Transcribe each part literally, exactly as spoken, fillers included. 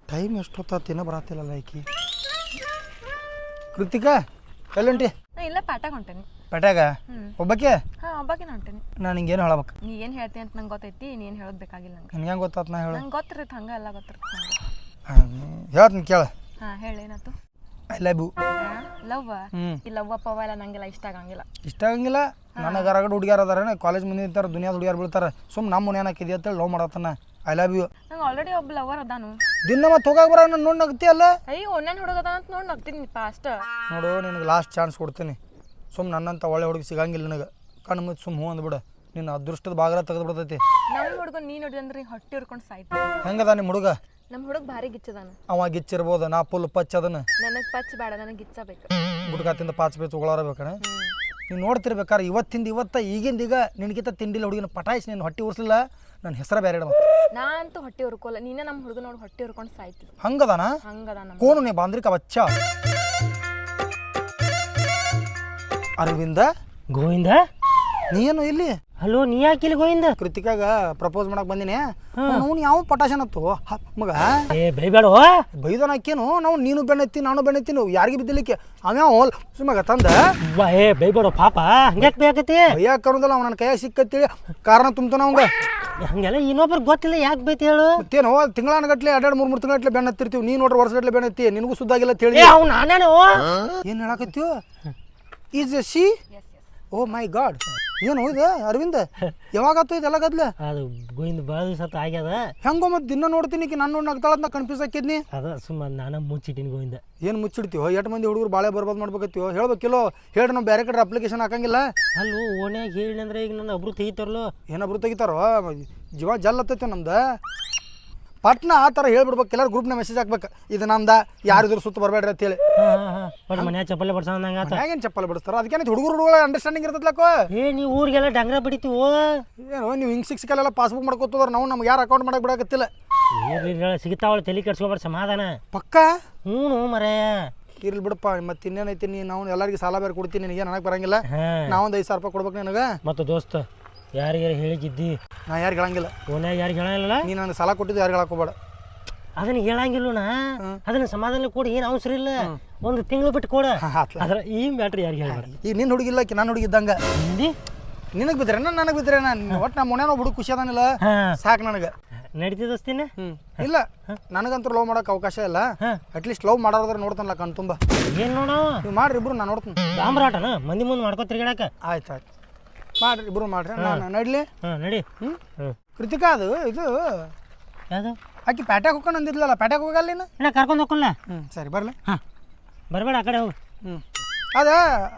Time ಎಷ್ಟೊತ್ತಿನ ಬರತ್ತಿಲ್ಲಲ್ಲ ಈಕಿ. ಕೃತಿಕಾ ಎಲ್ಲುಂಟಿ? ಇಲ್ಲ ಪ್ಯಾಟಾಗ ಹೊಂಟೇನಿ. ಪೇಟ್ಯಾಗ ಒಬ್ಬಕ್ಕೆ? ಹಾಂ ಒಬ್ಬಾಕಿನ ಹೊಂಟೇನಿ. ನಾನು ಹಿಂಗೇನು ಹೇಳಬೇಕು? ನೀ ಏನು ಹೇಳ್ತೀನಿ ಅಂತ ನಂಗೆ ಗೊತ್ತೈತಿ, ನೀನು ಹೇಳೋದು ಬೇಕಾಗಿಲ್ಲ ನಂಗೆ. ನಿನ್ಗೆ ಹೆಂಗೆ ಗೊತ್ತಾತ್ ನಾ ಹೇಳು? ನಂಗೆ ಗೊತ್ತಿರುತ್ತೆ ಹಂಗೆ ಎಲ್ಲ ಗೊತ್ತಿರುತ್ತೆ ನಂಗೆ. ಹೇಳ್ತೀನಿ ಕೇಳ. ಹಾಂ ಹೇಳಿ ಏನಾಯ್ತು? I love you. ಲವ್? ಹ್ಞೂ ಈ ಲವ್ವ ಪವ ಎಲ್ಲ ನಂಗೆಲ್ಲ ಇಷ್ಟ ಆಗಂಗಿಲ್ಲ. ಇಷ್ಟ ಆಗಂಗಿಲ್ಲ? ನನಗೆ ಹೊರಗಡೆ ಹುಡುಗಿಯಾರ ಅದಾರ, ಕಾಲೇಜ್ ಮುಂದೆ ನಿಂತಾರೆ, ದುನಿಯಾದ ಹುಡುಗಿಯಾರು ಬೀಳ್ತಾರೆ. ಸುಮ್ಮನೆ ನಮ್ಮ ಮನೆ ಏನಾಕಿದೆ ಅಂತೇಳಿ ಲವ್ ಮಾಡತ್ತಾನ. I love you. ನಂಗೆ ಆಲ್ರೆಡಿ ಒಬ್ಬ ಲವರ್ ಅದಾನು. ದಿನ ಮತ್ತೆ ಹೋಗಾಕ ಬರ ನಾನು ನೋಡಿ ನಗ್ತಿ ಅಲ್ಲ? ಅಯ್ಯೋ ಒನ್ನೇನು ಹುಡುಗ ಅದಾನ ಅಂತ ನೋಡಿ ನಗ್ತೀನಿ ಫಾಸ್ಟ್. ನೋಡು ನಿನಗೆ ಲಾಸ್ಟ್ ಚಾನ್ಸ್ ಕೊಡ್ತೀನಿ. ಸುಮ್ಮನೆ ನನ್ನಂತ ಒಳ್ಳೆ ಹುಡುಗಿ ಸಿಗಂಗಿಲ್ಲ ನನಗೆ. ಕಣ್ಣು ಮುಚ್ಚಿ ಸುಮ್ಮ ಹೂ ಅಂದ್ಬಿಡು. ನಿನ್ನ ಅದೃಷ್ಟದ ಬಾಗಲ ತೆಗೆದು ಬಿಡ್ತೈತಿ. ನಮ್ಮ ಹುಡುಗ ನೀ ನೋಡಿ ಅಂದ್ರೆ ಹೊಟ್ಟೆ ಹುರ್ಕೊಂಡು ಸಾಯ್ತು. ಹೆಂಗದ ನಿಮ್ಮ ಹುಡುಗ? ನಮ್ಮ ಹುಡುಗ ಭಾರಿ ಗಿಚ್ಚದಾನ. ಅವ ಗಿಚ್ಚಿರ್ಬೋದು, ನಾ ಫುಲ್ ಪಚ್ ಅದನ್ನ. ನನಗೆ ಪಚ್ ಬೇಡ, ನನಗೆ ಗಿಚ್ಚಬೇಕು. ಗುಡ್ಕಾತಿಂದ ಪಾಚ್ ಪೇಚ್ ಉಗಳಾರ ಬೇಕಣ. ನೀವು ನೋಡ್ತಿರ್ಬೇಕಾರೆ ಇವತ್ತಿಂದ ಇವತ್ತ ಈಗಿಂದ ಈಗ ನಿನಗಿಂತ ತಿಂಡಿಲ್ಲ ಹುಡುಗಿನ ಪಟಾಯಿಸಿ ನೀನು ಹೊಟ್ಟೆ ಉರ್ಸಲಿಲ್ಲ, ನನ್ನ ಹೆಸರ ಬೇರೆ ಇಡಬೇಕು. ನಾ ಅಂತೂ ಹೊಟ್ಟೆ ಹುರ್ಕೋಲ್ಲ, ನೀನೇ ನಮ್ಮ ಹುಡುಗ ನೋಡಿ ಹೊಟ್ಟೆ ಹುರ್ಕೊಂಡು ಸಾಯ್ತಿ. ಹಂಗದಾನ? ಹಂಗದಾನ. ಕೋನು ನೀ ಬಾಂದ್ರಿಕ ಬಚ್ಚ. ಅರವಿಂದ ಗೋವಿಂದ ನೀನು ಇಲ್ಲಿ? ಹಲೋ, ನೀ ಯಾಕೆ ಇಲ್ಲಿ ಗೋವಿಂದ? ಕೃತಿಕಾಗ ಪ್ರಪೋಸ್ ಮಾಡಕ್ ಬಂದಿನಿ. ಅವ್ನು ಯಾವ ಪಟಾಶನತ್ತು ಮಗ? ಏ ಬೈಬೇಡ ಬೈದನ ಅಕ್ಕೇನು. ನಾವು ನೀನು ಬೆಣ್ಣೆತ್ತಿ ನಾನು ಬೆಣ್ಣೆತ್ತೀನಿ, ಯಾರಿಗೆ ಬಿದ್ದಲಿಕ್ಕೆ ಅವ್ಯಾವ ಸುಮ್ಮಗ ತಂದ. ಏ ಬೈಬೇಡ ಪಾಪ, ಹಂಗ್ಯಾಕೆ ಬೇಕತಿ? ಬೈಯಾಕ ಕರೋದಲ್ಲ, ಅವ್ನ ನನ್ನ ಕೈಯಾಗ ಸಿಕ್ಕತ್ತೇಳಿ ಕಾರಣ ತುಂಬ್ತಾನ ಅವಂಗ. ಹಂಗೆಲ್ಲ ಇನ್ನೊಬ್ರು ಗೊತ್ತಿಲ್ಲ, ಯಾಕೆ ಬೈತಿ ಹೇಳು? ಮತ್ತೇನು ತಿಂಗಳಾನಗಟ್ಲೆ ಎರಡೆರಡು ಮೂರು ಮೂರು ತಿಂಗಳಗಟ್ಲೆ ಬೆಣ್ಣೆತ್ತಿರ್ತೀವಿ. ನೀ ನೋಡ್ರಿ ವರ್ಷಗಟ್ಲೆ ಬೆಣ್ಣೆತ್ತಿ, ನಿನಗೂ ಸುದ್ದಾಗಿಲ್ಲ ತಿಳಿ. ಅವ್ನು ನಾನೇನು ಏನು ಹೇಳಕತ್ತೀವ? Is she? Oh my god, ಏನು ಇದು ಅರವಿಂದ? ಯಾವಾಗತ್ತು ಇದೆಲ್ಲ ಗದ್ಲ? ಅದು ಗೋವಿಂದ ಭಾಳ ದಿವಸ ಆಗ್ಯದ. ಹೆಂಗೋ ಮತ್ತೆ ದಿನ ನೋಡ್ತೀನಿ ನಾನು ನೋಡಿ ನಗ್ತಾಳದ್ ಕನ್ಫ್ಯೂಸ್ ಹಾಕಿದ್ನಿ. ಅದ ಸುಮ್ಮ ನಾನು ಮುಚ್ಚಿಟ್ಟಿನಿ ಗೋವಿಂದ. ಏನು ಮುಚ್ಚಿಡ್ತೀವೋ? ಎಷ್ಟು ಮಂದಿ ಹುಡುಗರು ಭಾಳ ಬರ್ಬಾದ್ ಮಾಡ್ಬೇಕತ್ತೀವೋ ಹೇಳ್ಬೇಕಿಲ್ಲೋ? ಹೇಳಿ ನಾವು ಬೇರೆ ಕಡೆ ಅಪ್ಲಿಕೇಶನ್ ಹಾಕಂಗಿಲ್ಲ. ಅಲ್ಲೂ ಓಣ್ಯಾಗ ಹೇಳಿ ಅಂದ್ರೆ ಈಗ ನನ್ನ ಒಬ್ರು ತೆಗಿತಾರಲ್ಲೋ. ಏನೊಬ್ರು ತೆಗಿತಾರೋ? ಜೀವ ಜಲ್ ಹತ್ತೈತೆ ನಮ್ದು. ಪಟ್ನ ಆ ಥರ ಹೇಳ್ಬಿಡ್ಬೇಕು, ಎಲ್ಲರೂ ಗ್ರೂಪ್ನ ಮೆಸೇಜ್ ಹಾಕ್ಬೇಕು, ಇದು ನಮ್ದ, ಯಾರಿದ್ರು ಸುತ್ತ ಬರಬೇಡ್ರಿ ಅಂತೇಳಿ. ಬಟ್ ಮನ್ಯಾಗ ಚಪ್ಪಲೆ ಬಡ್ಸಂಗ ಹೇಗೇನು ಚಪ್ಪಲ್ ಬಿಡಿಸ್ತಾರ? ಅದಕ್ಕೆ ಹುಡುಗರು ಹುಡುಗರ ಅಂಡರ್ಸ್ಟ್ಯಾಂಡಿಂಗ್ ಇರ್ತೈತ್ಲಕ್ಕೋ. ಏ ನೀವು ಊರಿಗೆಲ್ಲ ಡಂಗ್ರ ಬಡಿತೀವೋ ಏನು ನೀವು ಹಿಂಗೆ ಸಿಕ್ಸ್ ಕಾಲೆಲ್ಲ ಪಾಸ್ಬುಕ್ ಮಾಡ್ಕೋತದ್ರ, ನಾವು ನಮ್ಗೆ ಯಾರು ಅಕೌಂಟ್ ಮಾಡಕ್ಕೆ ಬಿಡಕತ್ತಿಲ್ಲ. ಸಿಗ್ತಾವಳ ತಲೆ ಕೆಡ್ಸ್ಕೊಬಾರ ಸಮಾಧಾನ. ಪಕ್ಕ ಹ್ಞೂ ಮರೇ ಇರ್ಲಿ ಬಿಡಪ್ಪ. ಮತ್ತೆ ಇನ್ನೇನೈತಿ, ನೀ ನಾವು ಎಲ್ಲರಿಗೆ ಸಾಲ ಬೇರೆ ಕೊಡ್ತೀನಿ, ನಿನಗೆ ನನಗೆ ಬರಂಗಿಲ್ಲ. ನಾವೊಂದು ಐದು ಸಾವಿರ ರೂಪಾಯಿ ಕೊಡ್ಬೇಕು ನನಗೆ. ಮತ್ತು ದೋಸ್ತ ಯಾರಿಗಾರ ಹೇಳಿದ್ದಿ? ನಾ ಯಾರಿಗೆ ಹೇಳಂಗಿಲ್ಲ. ಓನ್ಯಾಗ ಯಾರಿಗೆ ಹೇಳಂಗಿಲ್ಲ? ನೀ ನನಗೆ ಸಾಲ ಕೊಟ್ಟಿದ್ದು ಯಾರಿಗೆ ಹೇಳಕೋಬೇಡ. ಅದನ್ನ ಹೇಳಂಗಿಲ್ಲಣ್ಣ, ಅದನ್ನ ಸಮಾಧಾನ ಕೊಡಿ, ಏನು ಅವಸರ ಇಲ್ಲ. ಒಂದು ತಿಂಗಳು ಬಿಟ್ಟು ಕೊಡ. ಅದ್ರ ಈ ಮ್ಯಾಟ್ರ್ ಯಾರಿಗೆ ಹೇಳ? ಈಗ ನಿನ್ನ ಹುಡುಗಿಲ್ಲ, ನಾನು ಹುಡುಗಿದ್ದಂಗ. ನಿನಗೆ ಬಿದ್ದರೆ ನನಗೆ ಬಿದ್ದರೆ ನಾನು ಒಟ್ಟು ನಮ್ಮ ಮನೇನ ಹುಡುಗ ಖುಷಿ ಅದಾನಿಲ್ಲ, ಸಾಕು ನನಗೆ. ನಡೀತಿದಸ್ತೀನಿ. ಹ್ಞೂ ಇಲ್ಲ, ನನಗಂತೂ ಲವ್ ಮಾಡೋಕೆ ಅವಕಾಶ ಇಲ್ಲ. ಅಟ್ಲೀಸ್ಟ್ ಲವ್ ಮಾಡೋದ್ರ ನೋಡ್ತಾನಲ್ಲ ಕಣ್ ತುಂಬ. ಏನು ನೋಡ ನೀವು ಮಾಡ್ರಿ ಇಬ್ರು, ನಾನು ನೋಡ್ತೀನಿ. ಡಾಂಬರಾಟನ ಮಂದಿ ಮುಂದೆ ಮಾಡ್ಕೊ ತಿರ್ಗಾಡಕ. ಆಯ್ತು ಆಯ್ತು ಮಾಡ್ರಿ ಇಬ್ರು ಮಾಡ್ರಿ, ನಾನು ನಡ್ಲಿ. ಹಾಂ ನಡಿ. ಹ್ಞೂ ಕೃತಿಕಾ ಅದು ಇದು ಯಾವುದು? ಆಕಿ ಪ್ಯಾಟ್ಯಾಗ ಹೋಗ್ಕೊಂಡು ಅಂದಿದ್ಲಲ್ಲ, ಪ್ಯಾಟ್ಯಾಗ ಹೋಗಲ್ಲ ನೀನು? ನಾ ಕರ್ಕೊಂಡು ಹೋಗಲ್ಲ. ಹ್ಞೂ ಸರಿ ಬರಲಿ. ಹಾಂ ಬರಬೇಡ, ಆ ಕಡೆ ಹೋಗು. ಹ್ಞೂ ಅದ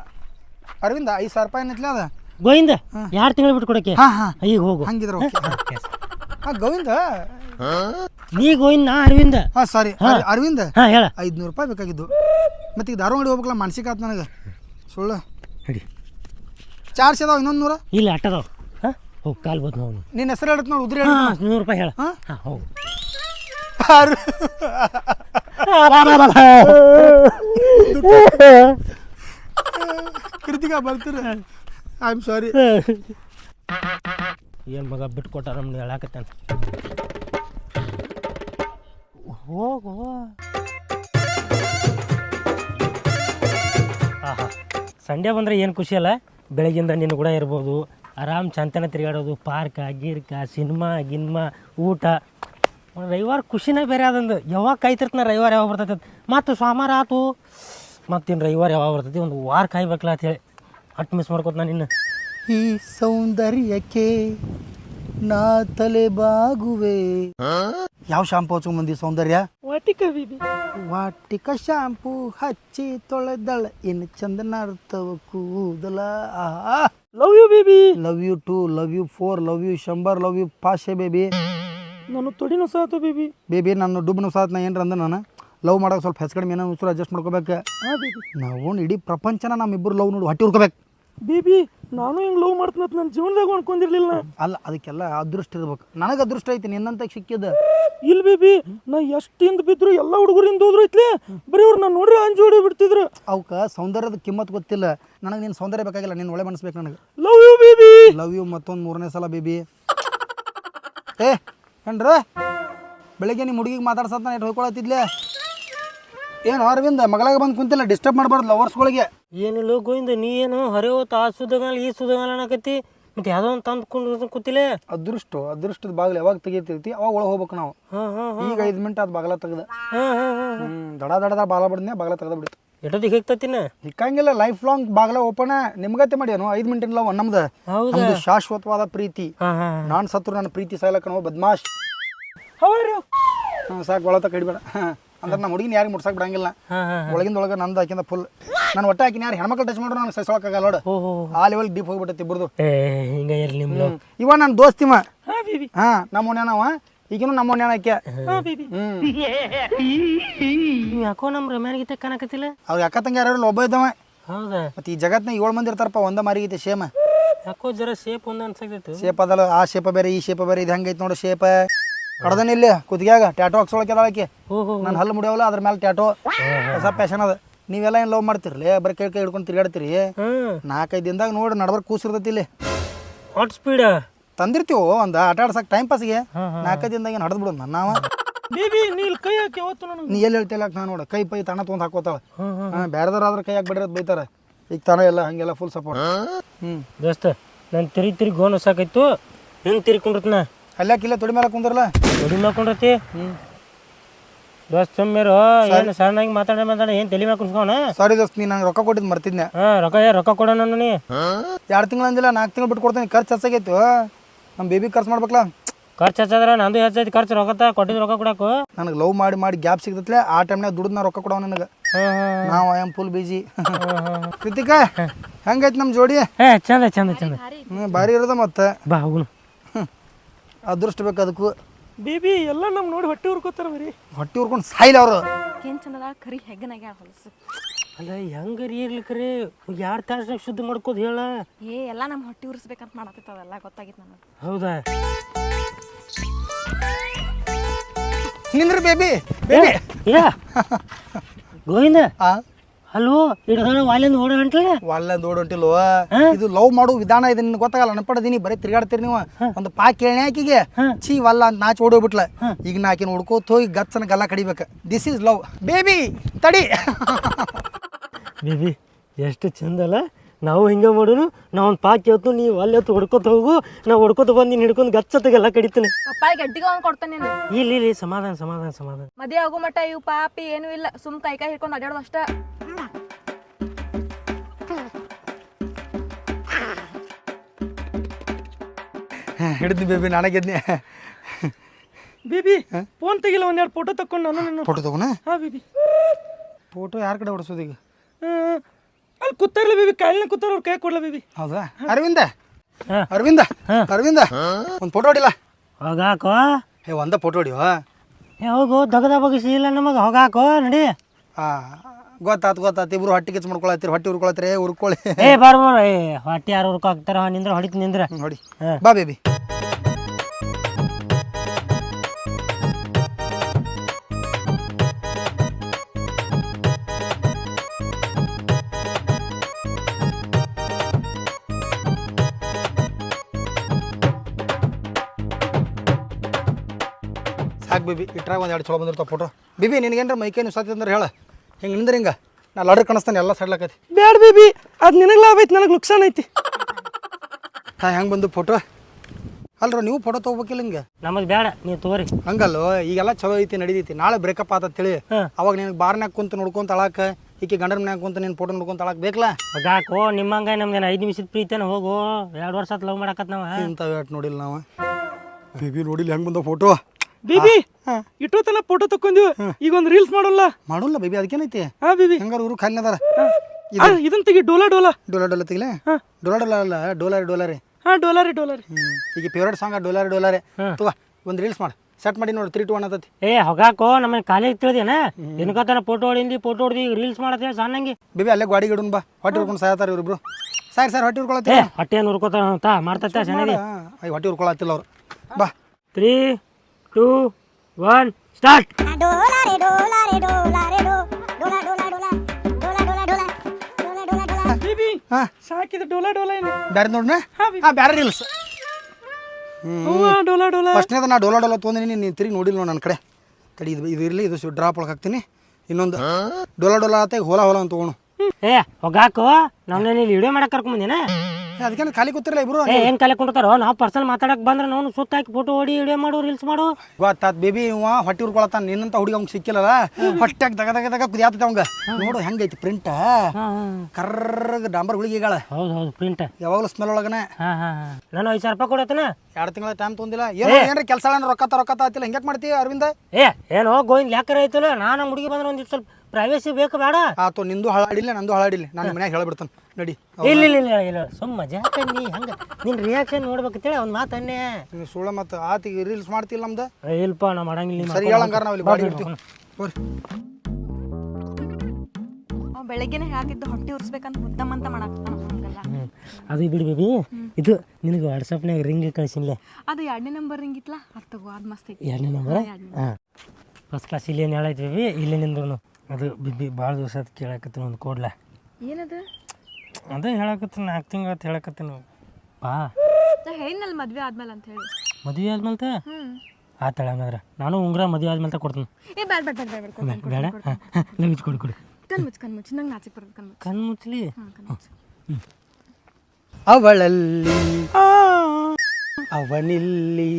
ಅರವಿಂದ ಐದು ಸಾವಿರ ರೂಪಾಯಿ ಏನೈತ್ಲ ಅದ ಗೋವಿಂದ ಎರಡು ತಿಂಗಳು ಬಿಟ್ಟು ಕೊಡಕ್ಕೆ. ಹಾಂ ಹಾಂ ಈಗ ಹೋಗು. ಹಂಗಿದ್ರ ಹಾಂ ಗೋವಿಂದ. ನೀ ಗೋವಿಂದ, ನಾ ಅರವಿಂದ. ಹಾಂ ಸಾರಿ ಅರವಿಂದ. ಹಾಂ ಹೇಳ. ಐದುನೂರು ರೂಪಾಯಿ ಬೇಕಾಗಿದ್ದು. ಮತ್ತೆ ಈಗ ಧಾರವಾಡ ಹೋಗ್ಬೇಕಲ್ಲ, ಮಾನಸಿಕ ಆಯ್ತು ನನಗೆ. ಸುಳ್ಳು ನಡಿ. ಚಾರ್ಜ್ ಅದಾವ ಇನ್ನೊಂದು ನೂರ? ಇಲ್ಲ ಅಟ್ಟದವ. ಹಾಂ ಹೋಗಿ ಕಾಲ್ ಬೋದು ನಾವು. ನಿನ್ನ ಹೆಸರು ಹೇಳತ್ ನೋಡಿ, ಉದ್ರಿ ಹಾಂ ನೂರು ರೂಪಾಯಿ ಹೇಳ. ಹಾಂ ಹಾಂ ಹೋಗು. ಕೃತಿಕಾ ಬರ್ತೀರ? I am sorry. ಏನು ಮಗ ಬಿಟ್ಟು ಕೊಟ್ಟಾರ ನಮ್ಗೆ ಹೇಳಾಕತ್ತಾನ. ಹೋಗು. ಹಾಂ ಹಾಂ ಸಂಡೇ ಬಂದರೆ ಏನು ಖುಷಿ ಅಲ್ಲ. ಬೆಳಗ್ಗಿಂದ ನಿನ್ನ ಕೂಡ ಇರ್ಬೋದು, ಆರಾಮ್ ಚಂತನ ತಿರುಗಾಡೋದು, ಪಾರ್ಕ ಗೀರ್ಕ, ಸಿನಿಮಾ ಗಿನ್ಮಾ, ಊಟ. ರವಿವಾರ ಖುಷಿನೇ ಬೇರೆ ಅದಂದು. ಯಾವಾಗ ಕಾಯ್ತಿರ್ತಾನೆ ರವಿವಾರ ಯಾವಾಗ ಬರ್ತೈತೆ. ಮತ್ತು ಸೋಮವಾರ ಆತು, ಮತ್ತಿನ್ನು ರವಿವಾರ ಯಾವಾಗ ಬರ್ತೈತಿ, ಒಂದು ವಾರ ಕಾಯ್ಬೇಕಲ್ಲ ಅಂತೇಳಿ ಅಟ್ ಮಿಸ್ ಮಾಡ್ಕೊತ ನಾನು ಇನ್ನು. ಈ ಸೌಂದರ್ಯಕ್ಕೆ ನಾ ತಲೆ ಬಾಗುವೆ. ಯಾವ ಶಾಂಪು ಹಚ್ಕೊಂಬಂದಿ ಸೌಂದರ್ಯ? ವಾಟಿಕ ಬಿಬಿ. ವಾಟಿಕ ಶಾಂಪು ಹಚ್ಚಿ ತೊಳೆದಳ, ಇನ್ನು ಚಂದನ ಅರ್ಥವ ಕೂದಲ. Love you baby. Love you too, love you four, love you ಶಂಬರ್, ಲವ್ ಯು ಪಾಶೆ ಬೇಬಿ. ನಾನು ತೊಡಿನೂ ಸಾತು ಬೇಬಿ. ಬೇಬಿ ನನ್ನ ಡುಬ್ನು ಸಾತ್. ನಾ ಏನ್ರ ಅಂದ ನಾನು ಲವ್ ಮಾಡೋಕೆ ಸ್ವಲ್ಪ ಹೆಸ್ ಕಡಿಮೆ ಏನೋ ಉಸಿರು ಅಡ್ಜಸ್ಟ್ ಮಾಡ್ಕೋಬೇಕು. ಹಾಂ ಬೇಬಿ. ನಾವು ಇಡೀ ಪ್ರಪಂಚನ ನಮ್ಮಿಬ್ಬರು ಲವ್ ನೋಡಿ ಹೊಟ್ಟೆ ಹುರ್ಕೋಬೇಕು. ಬೇಬಿ ನಾನು ಹಿಂಗೆ ಲವ್ ಮಾಡ್ತೀನಿ ನನ್ನ ಜೀವನದಾಗ ಅನ್ಕೊಂಡಿರ್ಲಿಲ್ಲ. ಅಲ್ಲ ಅದಕ್ಕೆಲ್ಲ ಅದೃಷ್ಟ ಇರ್ಬೇಕು. ನನಗೆ ಅದೃಷ್ಟ ಐತಿ ನಿನ್ನಂತ ಸಿಕ್ಕಿದ. ಇಲ್ಲ ಬೇಬಿ, ನಾ ಎಷ್ಟಿಂದ ಬಿದ್ರು ಎಲ್ಲ ಹುಡುಗರಿಂದ ಹೋದ್ರು ಐತ್ಲೆ, ಬರೀ ಅವ್ರು ನಾನು ನೋಡ್ರಿ ಅಂಜು ಹೊಡಿ ಬಿಡ್ತಿದ್ರು. ಅವಕ್ಕೆ ಸೌಂದರ್ಯದ ಕಿಮ್ಮತ್ ಗೊತ್ತಿಲ್ಲ. ನನಗೆ ನಿನ್ನ ಸೌಂದರ್ಯ ಬೇಕಾಗಿಲ್ಲ, ನೀನು ಒಳ್ಳೆ ಮನಸ್ಬೇಕು ನನಗೆ. Love you baby. Love you ಮತ್ತೊಂದು ಮೂರನೇ ಸಲ ಬೇಬಿ. ಏ ಏನ್ರ ಬೆಳಗ್ಗೆ ನಿಮ್ಮ ಹುಡುಗಿಗೆ ಮಾತಾಡ್ಸತ್ತ ಇಟ್ಟು ಹೋಗ್ಕೊಳತ್ತಿದ್ಲೆ ಏನು ಅರವಿಂದ ಮಗಳಾಗ ಬಂದು ಕುಂತಿಲ್ಲ ಡಿಸ್ಟರ್ಬ್ ಮಾಡಬಾರ್ದು ಲವರ್ಸ್ಗಳಿಗೆ. ಏನಿಲ್ಲ ಗೋವಿಂದ, ನೀ ಏನು ಹೊರೆ ಹೋತ ಆ ಸುದ್ದಗಾಲ ಈ ಸುದ್ದಗಾಲ ಅನ್ನಕತ್ತಿ, ಮತ್ತೆ ಯಾವುದೋ ಒಂದು ತಂದು ಕೂತಿಲ್ಲ. ಅದೃಷ್ಟ ಅದೃಷ್ಟದ ಬಾಗಿಲು ಯಾವಾಗ ತೆಗಿತಿರ್ತಿ ಅವಾಗ ಒಳಗೆ ಹೋಗ್ಬೇಕು ನಾವು. ಹಾಂ ಹಾಂ ಈಗ ಐದು ಮಿನಿಟ್ ಅದು ಬಾಗಲ ತೆಗ್ದ ಹಾಂ ಹಾಂ ಹಾಂ ಹ್ಞೂ ದಡ ದಡದ ಬಾಲ ಬಿಡ್ನೆ ಬಾಗಲ ತೆಗ್ದ ಬಿಡ್ತು. ಎಷ್ಟೊತ್ತಿಗೆ ಹೇಗ್ತತಿನ ಸಿಕ್ಕಂಗಿಲ್ಲ ಲೈಫ್ ಲಾಂಗ್ ಬಾಗಲ ಓಪನ್ ನಿಮ್ಗತ್ತೆ ಮಾಡ್ಯಾನು ಐದು ಮಿನಿಟ್ ಇಲ್ಲ ನಮ್ದು ನಮ್ದು ಶಾಶ್ವತವಾದ ಪ್ರೀತಿ. ನಾನು ಸತ್ರು ನನ್ನ ಪ್ರೀತಿ ಸಾಯ್ಲಕ್ಕ ನಾವು ಬದ್ಮಾಶ್. ಹಾಂ ಸಾಕು ಒಳತ ಕಡಿಬೇಡ ಅಂದ್ರೆ ನಮ್ಮ ಹುಡುಗಿನ ಯಾರಿಗೆ ಮುಟ್ಸಕ್ ಬಿಡಂಗಿಲ್ಲ. ಒಳಗಿಂದ ಒಳಗೆ ನಂದು ಹಾಕಿಂದ ಫುಲ್ ನಾನು ಒಟ್ಟ ಹಾಕಿನ ಯಾರು ಹೆಣ್ಮಕ್ಳು ಟಚ್ ಮಾಡ್ರು ನನಗೆ ಸಹಿಸೋಕ್ಕಾಗಲ್ಲ ನೋಡು. ಆ ಲೆವೆಲ್ ಡೀಪ್ ಹೋಗ್ಬಿಟ್ಟೈತಿ ಇಬ್ಬರದು. ಇವ ನನ್ನ ದೋಸ್ತಿವ ಹಾ ನಮ್ಮ ಮನ್ಯಾನವ ಈಗಿನೂ ನಮ್ಮ ಮನ್ಯಾನ ಆಕೆ. ಯಾಕೋ ನಮ್ಮ ರಮ್ಯಾನ ಗೀತೆ ಕಾಣಕತ್ತಿಲ್ಲ. ಅವ್ರು ಯಾಕ ತಂಗ ಯಾರು ಒಬ್ಬ ಇದ್ದವ. ಹೌದಾ ಮತ್ತೆ ಈ ಜಗತ್ನ ಏಳು ಮಂದಿ ಇರ್ತಾರಪ್ಪ ಒಂದ ಮಾರಿಗೈತೆ ಶೇಮ. ಯಾಕೋ ಜರ ಶೇಪ್ ಒಂದ ಅನ್ಸಕೈತಿ. ಶೇಪ್ ಅದಲ್ಲ ಆ ಶೇಪ ಬೇರೆ ಈ ಶೇಪ ಬೇರೆ ಇದು ಹೆಂಗೈತಿ ನೋಡು ಶೇಪ. ಕಡದನ ಇಲ್ಲಿ ಕುದಿಗ್ಯಾಗ ಟ್ಯಾಟೋ ಹಾಕ್ಸೊಳಕ್ಕೆ ನಾನು ಹಲ್ಲು ಮುಡಿಯವಲ್ಲ ಅದ್ರ ಮೇಲೆ ಟ್ಯಾಟೋ ಹೊಸ ಪ್ಯಾಶನ್ ಅದ. ನೀವೆಲ್ಲ ಏನು ಲವ್ ಮಾಡ್ತಿರ್ಲಿ ಬರೀ ಕೈ ಕೈ ಹಿಡ್ಕೊಂಡು ತಿರ್ಗಾಡ್ತೀರಿ. ನಾಲ್ಕೈದು ದಿನದಾಗ ನೋಡಿ ನಡ್ಬರ್ ಕೂಸಿರ್ತೈತಿ ಇಲ್ಲಿ ಹಾಟ್ ಸ್ಪೀಡ್ ತಂದಿರ್ತೀವೋ ಒಂದು ಆಟ ಆಡ್ಸಕ್ ಟೈಮ್ ಪಾಸ್ಗೆ. ನಾಲ್ಕೈದು ದಿನದಾಗ ಏನು ಹಡ್ದು ಬಿಡೋದು ನನ್ನ ನಾವ. ಕೈ ಹಾಕಿ ನೀ ಎಲ್ಲಿ ಹೇಳ್ತಿಲ್ಲ ನಾನು ನೋಡ ಕೈ ಪೈ ತಾನ ತೊಗೊಂಡು ಹಾಕೋತಾಳ. ಹಾಂ ಬೇರೆದವ್ರಾದ್ರೆ ಕೈ ಹಾಕಿ ಬಿಡಿರೋದು ಬೈತಾರ. ಈಗ ತಾನ ಎಲ್ಲ ಹಂಗೆಲ್ಲ ಫುಲ್ ಸಪೋರ್ಟ್. ಹ್ಞೂ ದೋಸ್ತ ನಾನು ತಿರುಗಿ ತಿರುಗಿ ಗೋನ್ ಹೊಸಾಕೈತು ಹೆಂಗೆ ತಿರ್ಕೊಂಡಿರ್ತನ ಅಲ್ಲಾಕಿಲ್ಲ ತೊಡಿ ಮೇಲೆ ಕುಂದ್ರಲ್ಲ ತೊಡಿ ಮಾಡ್ಕೊಂಡ್ರತಿ. ಹ್ಞೂ ದೋಸ್ತ ಸೊಮ್ಮೇರು ಏನು ಸಣ್ಣಾಗಿ ಮಾತಾಡ ಮಾತಾಡ ಏನು ತಲೆ ಮಾಡ್ಕೊಂಡ್ಸ್ಕೋಣ. ಸಾರಿ ದೋಸ್ತ್ ನೀ ನಂಗೆ ರೊಕ್ಕ ಕೊಟ್ಟಿದ್ದು ಮರ್ತಿದ್ನೆ. ಹಾಂ ರೊಕ್ಕ ರೊಕ್ಕ ಕೊಡೋಣ ನೀ. ಎರಡು ತಿಂಗಳು ಅಂದಿಲ್ಲ ನಾಲ್ಕು ತಿಂಗಳು ಬಿಟ್ಟು ಕೊಡ್ತೀನಿ. ಖರ್ಚು ಹೆಚ್ಚಾಗೈತು ನಮ್ಮ ಬೇಬಿ ಖರ್ಚು ಮಾಡ್ಬೇಕಲ್ಲ. ಖರ್ಚು ಹೆಚ್ಚಾದ್ರೆ ನಂದು ಹೆಚ್ಚೈತಿ ಖರ್ಚು ರೊಕ್ಕ ಕೊಟ್ಟಿದ್ದು ರೊಕ್ಕ ಕೊಡಾಕು. ನನಗೆ ಲವ್ ಮಾಡಿ ಮಾಡಿ ಗ್ಯಾಪ್ ಸಿಗ್ತತ್ಲೆ ಆ ಟೈಮ್ನಾಗ ದುಡ್ದು ನಾ ರೊಕ್ಕ ಕೊಡೋ ನನಗೆ. ನಾವು I am full busy. Krithika ಹೆಂಗೈತಿ ನಮ್ಮ ಜೋಡಿ? ಏ ಚಂದ ಚಂದ ಚಂದ ಹ್ಞೂ ಭಾರಿ ಇರೋದ ಮತ್ತೆ ಬಾ ಹೋಗುನು. ಅದೃಷ್ಟ ಬೇಕು ಅದಕ್ಕೂ. ಬೇಬಿ ಎಲ್ಲ ನಮ್ಮ ನೋಡಿ ಹೊಟ್ಟೆ ಹುರ್ಕೋತಾರ ಬರೀ. ಹೊಟ್ಟೆ ಹುರ್ಕೊಂಡು ಸಾಯಿಲ್ಲ ಅವರು. ಏನ್ ಚಂದದ ಕರಿ ಹೆಗ್ಗನಾಗ ಹೊಲಸು. ಅಲ್ಲ ಹೆಂಗರಿ ಇರ್ಲಿಕ್ರಿ ಎರಡು ತಾಸ್ನಾಗ ಶುದ್ಧ ಮಾಡ್ಕೋದು ಹೇಳ. ಏ ಎಲ್ಲ ನಮ್ಮ ಹೊಟ್ಟೆ ಉರ್ಸ್ಬೇಕಂತ ಮಾಡತ್ತಿತ್ತು ಅವೆಲ್ಲ ಗೊತ್ತಾಗಿತ್ತು ನನಗೆ. ಹೌದಾ ನಿಂದ್ರಿ ಬೇಬಿ ಬೇಬಿ ಇಲ್ಲ ಗೋವಿಂದ ಆ ಅಲ್ವೋ ಹಿಡ್ಕೊಂಡು ವಾಲಿಂದ ಓಡೋ ಹೊಂಟ್ಲ ಒಳ್ಳೆ ದೊಡ್ಡ ಹೊಂಟಿಲ್ವ. ಇದು ಲವ್ ಮಾಡೋ ವಿಧಾನ ಇದೆ ನಿನ್ಗೆ ಗೊತ್ತಾಗಲ್ಲ. ಅನ್ಪಡದೀನಿ ಬರೀ ತಿರ್ಗಾಡ್ತೀರಿ ನೀವು. ಒಂದು ಪಾ ಕೇಳಿ ಆಕಿಗೆ ಚೀ ವಲ್ಲ ಅಂತ ನಾಚಿ ಓಡೋಗ್ಬಿಟ್ಲ. ಈಗ ನಾ ಆಕಿನ ಹುಡ್ಕೋತ ಹೋಗಿ ಗಚ್ಚನ ಗಲ್ಲ ಕಡಿಬೇಕು. ದಿಸ್ ಈಸ್ ಲವ್ ಬೇಬಿ ತಡಿ. ಬೇಬಿ ಎಷ್ಟು ಚಂದ ಅಲ್ಲ. ನಾವು ಹಿಂಗೆ ಮಾಡೋನು. ನಾವು ಒಂದು ಪಾಕ್ ಹೇಳ್ತು ನೀವು ಅಲ್ಲಿ ಹೊತ್ತು ಹೊಡ್ಕೊತ ಹೋಗು. ನಾವು ಹೊಡ್ಕೊತ ಬಂದು ನೀನು ಹಿಡ್ಕೊಂಡು ಗಚ್ಚತೆಗೆಲ್ಲ ಕಡಿತೀನಿ. ಕಪ್ಪಾಯಿ ಗಡ್ಡಿಗೆ ಅವ್ನು ಕೊಡ್ತಾನೆ ನೀನು. ಇಲ್ಲಿ ಇಲ್ಲಿ ಸಮಾಧಾನ ಸಮಾಧಾನ ಸಮಾಧಾನ. ಮದುವೆ ಆಗೋ ಮಟ್ಟ ಇವು ಪಾಪಿ ಏನೂ ಇಲ್ಲ. ಸುಮ್ ಕೈ ಕೈ ಹಿಡ್ಕೊಂಡು ಅಡ್ಯಾಡೋದು ಅಷ್ಟ. ಹಿಡಿದ್ನಿ ಬೇಬಿ ನನಗೆದ್ನಿ. ಬೇಬಿ ಫೋನ್ ತೆಗಿಲ್ಲ ಒಂದೆರಡು ಫೋಟೋ ತಕೊಂಡು ನಾನು ನನ್ನ ಫೋಟೋ ತಗೋಣ. ಹಾಂ ಬೇಬಿ ಫೋಟೋ ಯಾರ ಕಡೆ ಹೊಡ್ಸೋದು ಈಗ? ಅಲ್ಲಿ ಕೂತಾರಲ್ಲ ಬೇಬಿ ಕಾಯಿಲೆ ಕೂತಾರ ಅವ್ರ ಕೈ ಕೊಡ್ಲ ಬೇಬಿ. ಹೌದಾ ಅರವಿಂದ ಅರವಿಂದ ಅರವಿಂದ ಒಂದು ಫೋಟೋ ಹೊಡಿಲ್ಲ. ಹೋಗಾಕೋ ಏ ಒಂದ ಫೋಟೋ ಹೊಡಿಯೋ. ಏ ಹೋಗು ದಗದ ಬಗ್ಗಿಸಿ ಇಲ್ಲ ನಮಗೆ ಹೋಗಾಕೋ ನಡಿ. ಹಾಂ ಗೊತ್ತಾತು ಗೊತ್ತಾತು. ಇಬ್ರು ಹೊಟ್ಟೆ ಕಿಚ್ಚು ಮಾಡ್ಕೊಳತ್ತೀರಿ ಹೊಟ್ಟೆ ಉರ್ಕೊಳತ್ತೀರಿ ಉರ್ಕೊಳ್ಳಿ. ಏ ಬರ್ಬಾರ ಏ ಹೊಟ್ಟೆ ಯಾರು ಉರ್ಕೊ ಹಾಕ್ತಾರ ನಿಂದ್ರ ಹೊಡಿತು ನಿಂದ್ರ ಹೊಡಿ ಬಾ ಬೇಬಿ. ಸಾಕು ಬೇಬಿ ಇಟ್ರಾಗ ಒಂದು ಎರಡು ಚಲೋ ಬಂದಿರ್ತಾವ ಫೋಟೋ. ಬೇಬಿ ನಿನಗೇನ್ರ ಮೈಕೇನು ಸಾಧ್ಯ ಅಂದ್ರೆ ಹೇಳ. ಹಿಂಗೆ ನಿಂದ್ರೆ ಹಿಂಗೆ ನಾ ಲಡ್ರ್ ಕಾಣಿಸ್ತಾನೆ ಎಲ್ಲ ಸಡ್ಲಾಕೈತಿ. ಬ್ಯಾಡ ಬೇಬಿ ಅದು ನಿನಗೆ ಲಾಭ ಐತಿ ನನಗೆ ನುಕ್ಸಾನ್ ಐತಿ. ಹಾಂ ಹೆಂಗೆ ಬಂದು ಫೋಟೋ ಅಲ್ರ ನೀವು ಫೋಟೋ ತೊಗೋಬೇಕಿಲ್ಲ ಹಿಂಗೆ. ನಮಗೆ ಬೇಡ ನೀವು ತಗೋರಿ. ಹಂಗಲ್ಲೋ ಈಗೆಲ್ಲ ಚಲೋ ಐತಿ ನಡೀತೈತಿ. ನಾಳೆ ಬ್ರೇಕಪ್ ಆತಂತೇಳಿ ಅವಾಗ ನಿನಗೆ ಬಾರ್ನ್ಯಾಗ ಕುಂತು ನೋಡ್ಕೊಂತ ಅಳಾಕ ಈಕೆ ಗಂಡನ ಮನ್ಯಾಗ ಕುಂತು ನೀನು ಫೋಟೋ ನೋಡ್ಕೊಂತ ಅಳಾಕ ಬೇಕಲ್ಲ. ಹೋಗಾಕೋ ನಿಮ್ಮಂಗ ನಮ್ದೇನು ಐದು ನಿಮಿಷದ ಪ್ರೀತಿನ ಹೋಗು. ಎರಡು ವರ್ಷ ಆತ್ ಲವ್ ಮಾಡಕತ್ ನಾವು. ಇಂಥವು ಯಾಟ್ ನೋಡಿಲ್ಲ ನಾವು. ಬೇಬಿ ನೋಡಿಲ್ಲ ಹೆಂಗೆ ಬಂದ ಫೋಟೋ. ಬೇಬಿ ಇಟ್ಟೋತನ ಫೋಟೋ ತಕ್ಕೊಂದಿವಿ. ಈಗ ಒಂದು ರೀಲ್ಸ್ ಮಾಡೋಲ್ಲ ಮಾಡೋಲ್ಲ ಬೇಬಿ ಅದಕ್ಕೇನೈತಿ. ಹಾಂ ಬೇಬಿ ಹಂಗಾರ ಊರು ಖಾಲಿ ಅದಾರ. ಇದನ್ನ ತೆಗಿ ಡೋಲಾ ಡೋಲಾ ಡೋಲಾ ಡೋಲಾ ತೆಗಿಲೆ. ಡೋಲಾ ಡೋಲಾ ಅಲ್ಲ ಡೋಲಾರಿ ಡೋಲಾರಿ. ಹಾಂ ಡೋಲಾರಿ ಡೋಲಾರಿ. ಹ್ಞೂ ಈಗ ಫೇವ್ರೇಟ್ ಸಾಂಗ್ ಡೋಲಾರಿ ಡೋಲಾರಿ. ತಗೋ ಒಂದು ರೀಲ್ಸ್ ಮಾಡಿ ಸೆಟ್ ಮಾಡಿ ನೋಡಿ. ತ್ರೀ ಟು ಒನ್ ಆತತಿ. ಏ ಹೋಗಾಕೋ ನಮ್ಮ ಕಾಲೇಜ್ ತಿಳಿದೇನ ದಿನಕತನ ಫೋಟೋ ಹೊಡಿಂದಿ ಫೋಟೋ ಹೊಡ್ದಿ ಈಗ ರೀಲ್ಸ್ ಮಾಡತ್ತೇಳಿ ಸಣ್ಣಂಗೆ. ಬೇಬಿ ಅಲ್ಲೇ ಗಾಡಿ ಗಿಡನ್ ಬಾ ಹೊಟ್ಟೆ ಹುರ್ಕೊಂಡು ಸಾಯ್ತಾರ ಇವ್ರಿಬ್ರು. ಸಾರಿ ಸರ್ ಹೊಟ್ಟೆ ಹುರ್ಕೊಳತ್ತೀವಿ. ಹೊಟ್ಟೆಯನ್ನು ಹುರ್ಕೋತಾರ ಅಂತ ಮಾಡ್ತೈತೆ ಸಣ್ಣದಿ. ಅಯ್ಯ ಹೊಟ್ಟೆ ಹುರ್ಕೊಳತ್ತಿಲ್ಲ ಅವ್ರು. ಬಾ ತ್ರೀ ಟೂ ಒನ್ ಸ್ಟಾರ್ಟ್. ಹಾಂ ಸಾಕಿದ ಡೋಲಾ ಡೋಲಾ ಏನು ಬ್ಯಾರೆ ನೋಡ್ನ. ಹಾಂ ಬ್ಯಾರೆ ರೀಲ್ಸ್ ಡೋಲಾ ಡೋಲಾ ಫಸ್ಟ್ನೇದ ನಾ ಡೋಲಾ ಡೋಲಾ ತೊಗೊಂಡಿನಿ, ನೀನು ತಿರುಗಿ ನೋಡಿಲ್ಲ ನೋಡಿ ನನ್ನ ಕಡೆ. ತಡಿ ಇದು ಇದು ಇರಲಿ, ಇದು ಡ್ರಾಪ್ ಒಳಗೆ ಹಾಕ್ತೀನಿ. ಇನ್ನೊಂದು ಡೋಲಾ ಡೋಲಾ ಆತ ಹೋಲ ಹೋಲ ಅಂತ ತೊಗೊಳು. ಏ ಹೋಗಾಕು ನಮ್ಗೆ ಇಲ್ಲಿ ವಿಡಿಯೋ ಮಾಡಕ್ಕೆ ಕರ್ಕೊಂಬಂದಿನ. ಅದಕ್ಕೆ ಖಾಲಿ ಕೂತಿರಲ್ಲ ಇಬ್ರು. ಏ ಏನು ಕಾಲಕ್ಕೆ ಕೊಡ್ತಾರೋ, ನಾವು ಪರ್ಸನ್ ಮಾತಾಡಕ್ಕೆ ಬಂದ್ರೆ ನಾವು ಸುತ್ತ ಹಾಕಿ ಫೋಟೋ ಹೊಡಿ ವಿಡಿಯೋ ಮಾಡು ರೀಲ್ಸ್ ಮಾಡು. ಗೊತ್ತಾತ್ ಬೇಬಿ, ಇವ ಹೊಟ್ಟೆ ಉರ್ಕೊಳತ್ತಾನ. ನಿನ್ನಂತ ಹುಡುಗ ಅವ್ಗೆ ಸಿಕ್ಕಿಲ್ಲಲ್ಲ, ಹೊಟ್ಟೆಗೆ ತಗ ತಗ ತಗ ಕುದಿಯಾತೈತೆ ಅವಂಗ. ನೋಡು ಹೆಂಗೈತಿ ಪ್ರಿಂಟ್, ಕರ್ರಗ ಡಾಂಬರ್ ಗುಳಿಗೆಗಳ. ಹೌದು ಹೌದು ಪ್ರಿಂಟ್ ಯಾವಾಗಲೂ ಸ್ಮೆಲ್ ಒಳಗನೆ. ಹಾಂ ಹಾಂ ನಾನು ಐದು ಸಾವಿರ ರೂಪಾಯಿ ಕೊಡತ್ತನ. ಎರಡು ತಿಂಗಳ ಟೈಮ್ ತೊಂದಿಲ್ಲ. ಏನೋ ಏನ್ರಿ ಕೆಲಸ ರೊಕ್ಕ ರೊಕ್ಕ ಆತಿಲ್ಲ, ಹೆಂಗೆ ಮಾಡ್ತೀವಿ ಅರವಿಂದ? ಏ ಏನೋ ಗೋವಿಂದ ಯಾಕರ ಐತಲ್ಲ, ನಾನು ಹುಡುಗಿ ಬಂದ್ರೆ ಒಂದಿಷ್ಟು ಸ್ವಲ್ಪ ಪ್ರೈವೇಸಿ ಬೇಕು ಬೇಡ. ಆತು, ನಿಂದು ಹಾಳಾಡಿಲ್ಲ ನಂದು ಹಾಳಾಡಿಲ್ಲ, ನಾನು ಮನ್ಯಾಗ ಹೇಳ್ಬಿಡ್ತಾನೆ ನಡಿ. ಇಲ್ಲ ಇಲ್ಲ ಇಲ್ಲ ಇಲ್ಲ ಸುಮ್ಮ ಮಜಾ ನೀ ಹಂಗೆ ನಿನ್ನ ರಿಯಾಕ್ಷನ್ ನೋಡ್ಬೇಕಂತೇಳಿ ಅವ್ನು ಮಾತನ್ನೇ. ನೀವು ಸುಳ್ಳ ಮತ್ತು ಆತಿಗೆ ರೀಲ್ಸ್ ಮಾಡ್ತಿಲ್ಲ ನಮ್ದು. ಇಲ್ಪ ನಾ ಮಾಡಂಗಿಲ್ಲ. ಸರಿ ಹೇಳಂಗಾರ ನಾವು ಇಲ್ಲಿ ಬಾಡಿ ಇಡ್ತೀವಿ. ಅವ್ ಬೆಳಗ್ಗೆನೆ ಹೇಳ್ತಿದ್ದು ಹೊಟ್ಟೆ ಉರ್ಸ್ಬೇಕಂತ ಮುದ್ದಮ್ಮಂತ ಮಾಡಾಕ್ತಾನ ಹಂಗಲ್ಲ. ಅದು ಬಿಡಿ ಬೇಬಿ, ಇದು ನಿನಗೆ ವಾಟ್ಸಪ್ನಾಗ ರಿಂಗ್ ಕಳ್ಸಿನ್ಲೆ. ಅದು ಎರಡನೇ ನಂಬರ್ ರಿಂಗಿತ್ಲ, ಅದು ತಗೋ, ಅದು ಮಸ್ತ್ ಐತಿ. ಎರಡನೇ ನಂಬರ್ ಹಾಂ ಫಸ್ಟ್ ಕ್ಲಾಸ್ ಇಲ್ಲಿ ಏನು ಹೇಳೈತಿ ಬೇಬಿ, ಇಲ್ಲಿ ನಿಂದ್ರು ಅದು ಬಿಬ್ಬಿ ಭಾಳ ದಿವಸ ಅದು ಕೇಳಕತ್ತೀನಿ ಒಂದು ಕೊಡ್ಲ. ಏನದು? ಅದೇ ಹೇಳಕತ್ತೀನಿ, ನಾಲ್ಕು ತಿಂಗಳು ಅಂತ ಹೇಳಕತ್ತೀನಿ ಪಾ. ನಾ ಹೇಳಿನಲ್ಲ ಮದ್ವೆ ಆದ್ಮೇಲೆ ಅಂತ ಹೇಳಿ. ಮದುವೆ ಆದ್ಮೇಲೆ ಆತಳ ಹಂಗಾದ್ರೆ ನಾನು ಉಂಗ್ರ ಮದುವೆ ಆದ್ಮೇಲೆ ಕೊಡ್ತೀನಿ. ಏ ಬೇಡ ಬೇಡ ಬೇಡ ಬೇಡ ಬೇಡ ಲಗೇಜ್ ಕೊಡು ಕೊಡು. ಕಣ್ ಮುಚ್ಚು ಕಣ್ ಮುಚ್ಚು, ನಂಗೆ ನಾಚಿಕ್ ಬರೋದು. ಕಣ್ ಮುಚ್ಚು ಕಣ್ಣು ಮುಚ್ಚಲಿ. ಹಾಂ ಕಣ್ ಮುಚ್ಚು. ಅವಳಲ್ಲಿ ಅವನಿಲ್ಲಿ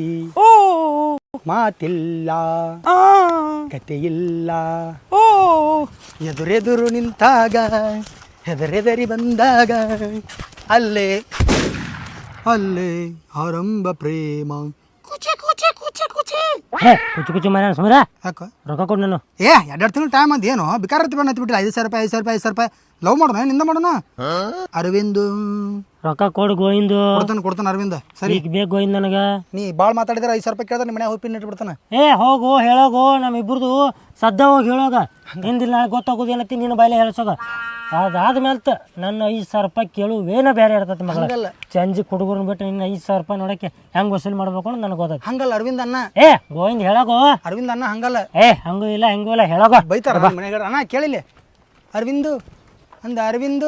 ಮಾತಿಲ್ಲ ಕತೆಯಿಲ್ಲ, ಎದುರೆದುರು ನಿಂತಾಗ ಹೆದರೆದರಿ ಬಂದಾಗ ಅಲ್ಲೇ ಅಲ್ಲೇ ಆರಂಭ ಪ್ರೇಮ. ಕುಚಿ ಕುಚಿ ಕುಚಿ ಕುಚಿ ಹೇ ಕುಚು ಕುಚು ಮರ ಸುಮರ ಯಾಕ ರೊಕ್ಕ ಕೊಡು ನಾನು. ಏ ಎರಡೆರಡು ತಿಂಗಳು ಟೈಮ್ ಅಂತ ಏನು ಬೇಕಾದ್ರೆ ಬಂದು ಹತ್ಬಿಟ್ಟಿಲ್ಲ. ಐದು ಸಾವಿರ ರೂಪಾಯಿ ಐದು ಸಾವಿರ ರೂಪಾಯಿ ಐದು ಸಾವಿರ ರೂಪಾಯಿ ಲವ್ ಮಾಡೋಣ, ನಿಂದ ಮಾಡೋಣ. ಅರವಿಂದ್ ರೊಕ್ಕ ಕೊಡು ಗೋವಿಂದು. ಕೊಡ್ತಾನೆ ಕೊಡ್ತಾನೆ ಅರವಿಂದ. ಸರಿ ಈಗ ಬೇಕು ಗೋವಿಂದ ನನಗೆ. ನೀ ಭಾಳ ಮಾತಾಡಿದ್ರೆ ಐದು ಸಾವಿರ ರೂಪಾಯಿ ಕೇಳಿದ್ರೆ ನಿಮ್ಮ ಮನೆ ಹೋಗಿ ಪಿನ್ ಇಟ್ಬಿಡ್ತಾನೆ. ಏ ಹೋಗು ಹೇಳೋಗು, ನಮ್ಮಿಬ್ರದು ಸದ್ದ ಹೋಗಿ ಹೇಳೋಗ. ಹಿಂದಿಲ್ಲ ನಾಳೆ ಗೊತ್ತಾಗೋದು ಏನತ್ತಿ ನಿನ್ನ ಬಾಯಿಲೆ ಹೇಳ್ಸೋಗ. ಅದಾದ್ಮೇಲೆ ನನ್ನ ಐದು ಸಾವಿರ ರೂಪಾಯಿ ಕೇಳುವೇನ ಬೇರೆ ಇರ್ತೈತಿ ಮಗಳ. ಚಂಜಿ ಹುಡುಗರನ್ನ ಬಿಟ್ಟು ನಿನ್ನ ಐದು ಸಾವಿರ ರೂಪಾಯಿ ನೋಡಕ್ಕೆ ಹೆಂಗೆ ವಸೂಲಿ ಮಾಡ್ಬೇಕು ಅಂತ ನನಗೆ ಗೊತ್ತಾಯ್ತು. ಹಂಗಲ್ಲ ಅರವಿಂದ್ ಅಣ್ಣ. ಏ ಗೋವಿಂದ ಹೇಳೋಗು. ಅರವಿಂದ್ ಅಣ್ಣ ಹಂಗಲ್ಲ. ಏ ಹಂಗೂ ಇಲ್ಲ ಹೆಂಗೂ ಇಲ್ಲ ಹೇಳೋಗ. ಬೈತಾರ ಮನೆಗೆ. ಅಣ್ಣ ಕೇಳಿಲ್ಲ ಅರವಿಂದು ಅಂದ ಅರವಿಂದು.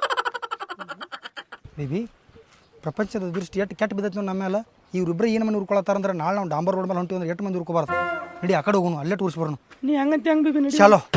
ಬೇಬಿ ಪ್ರಪಂಚದ ದೃಷ್ಟಿ ಎಷ್ಟು ಕೆಟ್ಟ ಬಿದ್ದೈತಿ ನೋಡಿ ನಮ್ಮ ಮೇಲೆ. ಇವ್ರಿಬ್ರು ಏನು ಮನೆ ಉರ್ಕೊಳತ್ತಾರಂದ್ರೆ ನಾಳೆ ನಾವು ಡಾಂಬರ್ ರೋಡ್ ಮೇಲೆ ಹೊಂಟಿವಿ ಅಂದ್ರೆ ಎಷ್ಟು ಮಂದಿ ಉರ್ಕೋಬಾರ್ದು. ನಡಿ ಆ ಕಡೆ ಹೋಗೋಣ, ಅಲ್ಲೇ ಟೂರ್ಸ್ ಬರೋಣ. ನೀ ಹಂಗಂತ ಹೆಂಗೆ ಬೇಕು ನಡಿ. ಚಲೋ.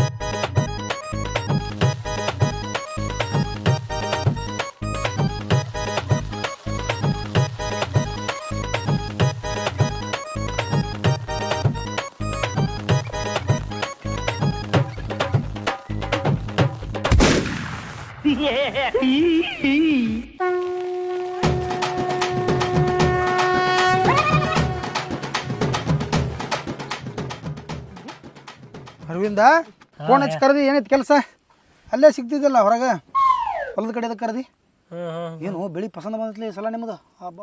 ಅರವಿಂದ ಫೋನ್ ಹಚ್ಚಿ ಕರೆದಿ, ಏನೈತಿ ಕೆಲಸ? ಅಲ್ಲೇ ಸಿಗ್ತಿದ್ದಿಲ್ಲ ಹೊರಗೆ, ಹೊಲದ ಕಡೆ ಅದಕ್ಕೆ ಕರೆದಿ. ಏನು ಬೆಳಿ ಪಸಂದ ಬಂದತ್ಲಿ ಈ ಸಲ ನಿಮ್ಮದು?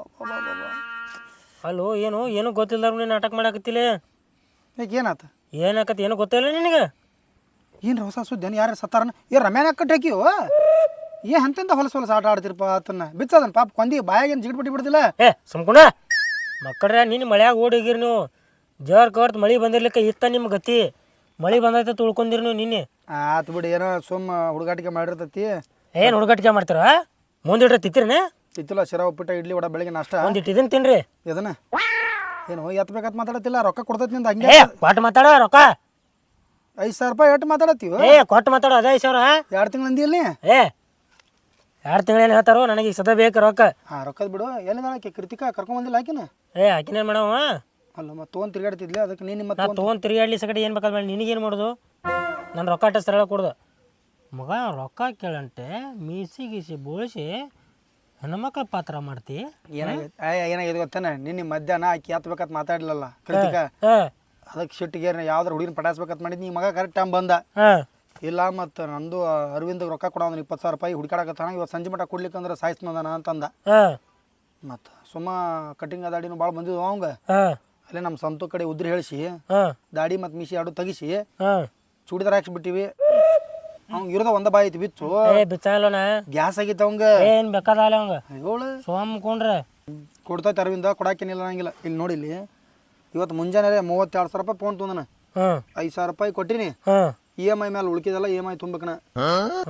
ಅಲ್ಲೋ ಏನು ಏನು ಗೊತ್ತಿಲ್ಲ ನೀನು ನಾಟಕ ಮಾಡಾಕತ್ತಿಲ್ಲ. ಯಾಕೆ ಏನಾತ? ಏನಾಕತಿ ಏನು ಗೊತ್ತಿಲ್ಲ ನಿನಗೆ? ಏನು ಹೊಸ ಸುದ್ದಿ? ಯಾರು ಸತ್ತಾರನ? ಏ ರಮ್ಯಾನ ಕಟ್ಟಿ ಹಾಕಿವು? ಏ ಅಂತಂದ ಹೊಲಸ ಹೊಲಸ ಆಟ ಆಡ್ತಿರಪ್ಪ ಆತನ್ನ ಬಿಚ್ಚದನ್ ಪಾಪ ಕೊಂದಿ ಬಾಯಾಗೇನು ಜಿಗಿಟ್ ಬಿಟ್ಟು ಬಿಡ್ದಿಲ್ಲ. ಏ ಸುಮ್ಕುಣ ಮಕ್ಕಳ್ರೆ, ನಿನ್ನ ಮಳ್ಯಾಗ ಓಡಿಗಿರಿ ನೀವು. ಜರ್ ಕರ್ತ್ ಮಳೆ ಬಂದಿರ್ಲಿಕ್ಕೆ ಇತ್ತ ನಿಮ್ಮ ಗತಿ. ಮಳೆ ಬಂದೈತೆ ತುಳ್ಕೊಂಡಿರಿ ನೀವು ನಿನ್ನೆ. ಆತು ಬಿಡಿ, ಏನೋ ಸುಮ್ಮ ಹುಡುಗಾಟಿಕೆ ಮಾಡಿರ್ತೈತಿ. ಏನು ಹುಡುಗಾಟಿಕೆ ಮಾಡ್ತಾರ? ಮುಂದಿಟ್ರೆ ತಿತ್ತಿರನೇ ಇತ್ತಿಲ್ಲ ಶಿರಾ ಉಪ್ಪಿಟ್ಟ ಇಡ್ಲಿ ವಡ ಬೆಳಿಗ್ಗೆ ನಾಷ್ಟ. ಒಂದಿಟ್ಟು ಇದನ್ನ ತಿನ್ರಿ. ಇದನ್ನ ಏನು ಎತ್ತಬೇಕಂತ ಮಾತಾಡತ್ತಿಲ್ಲ, ರೊಕ್ಕ ಕೊಡ್ತೈತಿ ನಿಂದ ಹಂಗೆ. ಏ ಕೊಟ್ಟು ಮಾತಾಡ ರೊಕ್ಕ. ಐದು ಸಾವಿರ ರೂಪಾಯಿ ಎಷ್ಟು ಮಾತಾಡತ್ತೀವಿ? ಏ ಕೊಟ್ಟು ಮಾತಾಡೋ ಅದೇ ಐದು ಸಾವಿರ. ಎರಡು ತಿಂಗಳು ಅಂದಿಯಲ್ಲಿ. ಏ ಎರಡು ತಿಂಗಳೇನು ಹೇಳ್ತಾರೋ, ನನಗೆ ಈಗ ಸದಾ ಬೇಕು ರೊಕ್ಕ. ಹಾಂ ರೊಕ್ಕದ ಬಿಡು. ಎಲ್ಲಿದಾಳ ಆಕೆ ಕೃತಿಕಾ? ಕರ್ಕೊಂಬಂದಿಲ್ಲ ಆಕಿನ? ಏ ಆಕಿನೇನು ಮಾಡವ? ಅಲ್ಲ ಮತ್ತೆ ತೊಗೊಂಡು ತಿರ್ಗಾಡ್ತಿದ್ಲೆ, ಅದಕ್ಕೆ ನೀನು ನಿಮ್ಮ ನಾ ತೊಗೊಂಡು ತಿರುಗಾಡ್ಲಿ ಸಗಡೆ ಏನು ಬೇಕಾದ ಮಾಡಿ ನಿನಗೇನು ಮಾಡೋದು? ನಾನು ರೊಕ್ಕ ಅಟ್ಟ ಸರಳ ಕೊಡ್ದು ಮಗ. ರೊಕ್ಕ ಕೇಳಂತೆ ಮೀಸಿ ಗೀಸಿ ಬೋಳಿಸಿ ಹೆಣ್ಮಕ್ಳ ಪಾತ್ರ ಮಾಡ್ತಿ. ಏನಾಗೈತೆ? ಅಯ್ಯ ಏನಾಗಿದೆ ಗೊತ್ತೇನೆ, ನಿನ್ನೆ ಮಧ್ಯಾಹ್ನ ಆಕಿ ಎತ್ತಬೇಕಂತ ಮಾತಾಡ್ಲಲ್ಲ ಕೃತಿಕಾ. ಅದಕ್ಕೆ ಶಿಟ್ಟಿಗೆ ಯಾವ್ದಾರು ಹುಡುಗಿನ ಪಟಾಯಿಸ್ಬೇಕಂತ ಮಾಡಿದ್. ನೀ ಮಗ ಕರೆಕ್ಟ್ ಟೈಮ್ ಬಂದ. ಇಲ್ಲ ಮತ್ತು ನಂದು ಅರವಿಂದ್ ರೊಕ್ಕ ಕೊಡೋ ಅಂದ್ರೆ ಇಪ್ಪತ್ತು ಸಾವಿರ ರೂಪಾಯಿ ಹುಡುಕಾಡಕತ್ತಾನ, ಇವತ್ತು ಸಂಜೆ ಮಟ್ಟ ಕೊಡ್ಲಿಕ್ಕೆ ಅಂದ್ರೆ ಸಾಯಿಸ್ನದಾನ ಅಂತಂದ. ಮತ್ತು ಸುಮ್ಮ ಕಟಿಂಗ್ ದಾಡಿನೂ ಭಾಳ ಬಂದಿದ್ವು ಅವಂಗ. ಅಲ್ಲೇ ನಮ್ಮ ಸಂತು ಕಡೆ ಉದ್ರಿ ಹೇಳಿಸಿ ದಾಡಿ ಮತ್ತು ಮೀಸಿ ಎರಡು ತೆಗಿಸಿ ಚೂಡಿದಾರ ಹಾಕ್ಸ್ಬಿಟ್ಟಿವಿ. ಅವ್ನು ಇರೋದ ಒಂದ ಬಾಯಿ ಐತಿ ಬಿಚ್ಚು. ಬಿಚ್ಚಲ್ಲೋಣ ಗ್ಯಾಸ್ ಆಗಿತ್ತು ಅವಂಗ. ಏನು ಬೇಕಾದಲ್ಲ ಅವಂಗ ಏಳು ಸೋಮ್ಕೊಂಡ್ರೆ ಕೊಡ್ತೈತೆ ಅರವಿಂದ, ಕೊಡಾಕೇನಿಲ್ಲ ಅನ್ನಂಗಿಲ್ಲ. ಇಲ್ಲಿ ನೋಡಿ, ಇಲ್ಲಿ ಇವತ್ತು ಮುಂಜಾನೆ ಮೂವತ್ತೆರಡು ಸಾವಿರ ರೂಪಾಯಿ ಫೋನ್ ತೊಂದನ. ಐದು ಸಾವಿರ ರೂಪಾಯಿ ಕೊಟ್ಟಿನಿ. ಇ ಎಮ್ ಐ ಮೇಲೆ ಉಳ್ಕಿದಲ್ಲ, ಇ ಎಮ್ ಐ ತುಂಬಬೇಕನ.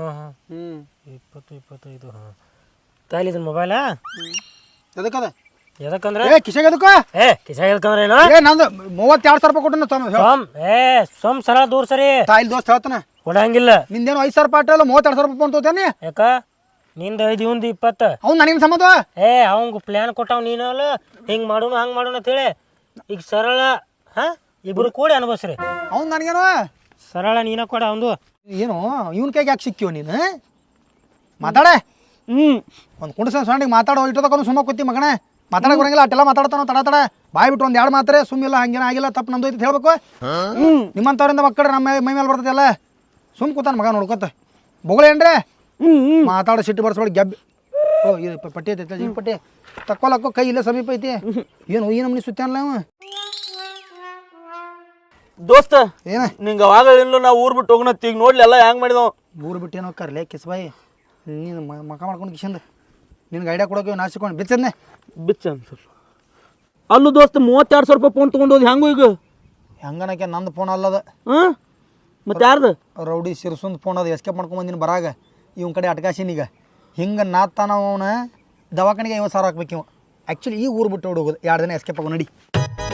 ಹ್ಞೂ ಇಪ್ಪತ್ತು ಇಪ್ಪತ್ತೈದು ತಾಲಿ ಇದನ್ನ ಮೊಬೈಲಾ ಎದಕ್ಕದ? ಎದಕ್ಕಂದ್ರೆ ಏ ಕಿಶೆಗೆ ಎದಕ್ಕ ಏ ಕಿಸಾಗ ಎದಕ್ಕಂದ್ರೆ ಏನು ಏ ನಂದು ಮೂವತ್ತೆರಡು ಸಾವಿರ ರೂಪಾಯಿ ಕೊಟ್ಟು ಸೋಮ್ ಏ ಸೋಮ್ ಸರ ದೂರ ಸರಿ ತಾಯಿಲ್ ದೋಸ್ತ ಹೇಳ್ತಾನೆ ಕೊಡಂಗಿಲ್ಲ ನಿಂದೇನು ಐದು ಸಾವಿರ ಪಾಠ ಅಲ್ಲ ಮೂವತ್ತೆರಡು ಸಾವಿರ ರೂಪಾಯಿ ಫೋನ್ ತೋತೇನೆ ಯಾಕ ನಿಂದ ಐದು ಇವಂದು ಇಪ್ಪತ್ತು ಅವ್ನು ನನಗೆ ಸಂಬಂಧ ಏ ಅವಂಗ ಪ್ಲ್ಯಾನ್ ಕೊಟ್ಟಾವ ನೀನಲ್ಲ ಹಿಂಗೆ ಮಾಡೋಣ ಹಂಗೆ ಮಾಡೋಣ ಅಂತೇಳಿ ಈಗ ಸರಳ ಹಾಂ ಇಬ್ರು ಕೂಡಿ ಅನ್ಭವಿಸ್ರಿ ಅವ್ನು ನನಗೇನು ಸರಳ ನೀನ ಕೊಡ ಅವಂದು ಏನು ಇವನ್ ಕೈಗೆ ಯಾಕೆ ಸಿಕ್ಕಿವ ನೀನು ಮಾತಾಡೆ ಹ್ಞೂ ಒಂದು ಕುಂಡ್ಸ ಸಣ್ಣಿಗೆ ಮಾತಾಡೋ ಇಟ್ಟದಕ್ಕೊಂದು ಸುಮ್ಮ ಕೂತಿ ಮಗನೇ ಮಾತಾಡಕ್ ಬರಂಗಿಲ್ಲ ಅಟ್ಟೆಲ್ಲ ಮಾತಾಡ್ತಾನೋ ತಡ ತಡ ಬಾಯ್ ಬಿಟ್ಟು ಒಂದು ಎರಡು ಮಾತ್ರೆ ಸುಮ್ಮಿಲ್ಲ ಹಂಗೇನ ಆಗಿಲ್ಲ ತಪ್ಪು ನಮ್ದು ಐತಿ ಹೇಳ್ಬೇಕು ನಿಮ್ಮಂಥವ್ರಿಂದ ಮಕ್ಕಳು ನಮ್ಮ ಮೈ ಮೇಲೆ ಬರ್ತೈತಿ ಅಲ್ಲ ಸುಮ್ ಕೂತಾನ ಮಗ ನೋಡ್ಕೊತ ಬೊಗಳೇನ್ರಿ ಮಾತಾಡೋ ಸಿಟ್ಟು ಬರ್ಸ್ಬೇಡಿ ಗೆಬ್ಬಿ ಓ ಇದು ಪ- ಪಟ್ಟಿ ಐತಿ ಜೀವ ಪಟ್ಟಿ ತಕ್ಕೊಲಕ್ಕೋ ಕೈ ಇಲ್ಲೇ ಸಮೀಪ ಐತಿ ಏನು ಈ ನಮ್ನಿ ಸುತ್ತಾನಲ್ಲ ಅವ ದೋಸ್ತ ಏನ ನಿಂಗೆ ಅವಾಗ ಇಲ್ಲ ನಾವು ಊರ್ ಬಿಟ್ಟು ಹೋಗೋಣ ಈಗ ನೋಡ್ಲಿ ಎಲ್ಲ ಹೆಂಗ್ ಮಾಡಿದವ ಊರು ಬಿಟ್ಟು ಏನೋ ಕರ್ಲೆ ಕಿಸ್ಬಾಯಿ ನೀನು ಮಕ ಮಾಡ್ಕೊಂಡು ಕಿಶಂದ ನಿನ್ಗೆ ಐಡಿಯಾ ಕೊಡೋಕೆ ನಾಚಿಕೊಂಡು ಬಿಚ್ಚದ್ನೆ ಬಿಚ್ಚ ಅನ್ಸರ್ ಅಲ್ಲೂ ದೋಸ್ತ ಮೂವತ್ತೆರಡು ಸಾವಿರ ರೂಪಾಯಿ ಫೋನ್ ತೊಗೊಂಡೋದು ಹೆಂಗು ಈಗ ಹೆಂಗನಕ್ಕೆ ನಂದು ಫೋನ್ ಅಲ್ಲದ ಹಾಂ ಮತ್ತೆ ಯಾರ್ದು ರೌಡಿ ಸಿರ್ಸುಂದ್ ಫೋನ್ ಅದು ಎಸ್ಕೇಪ್ ಮಾಡ್ಕೊಂಬಂದಿನ ಬರಾಗ ಇವನ್ ಕಡೆ ಅಟ್ಕಾಸಿನೀಗ ಹಿಂಗೆ ನಾತ್ತಾನ ಅವನ ದವಾಖಾನಿಗೆ ಐವತ್ತು ಸಾವಿರ ಹಾಕ್ಬೇಕು ಇವ ಆ್ಯಕ್ಚುಲಿ ಈ ಊರು ಬಿಟ್ಟು ಹೋಗೋದು ಎರಡು ದಿನ ಎಸ್ಕೇಪ್ ಆಗೋ ನಡಿ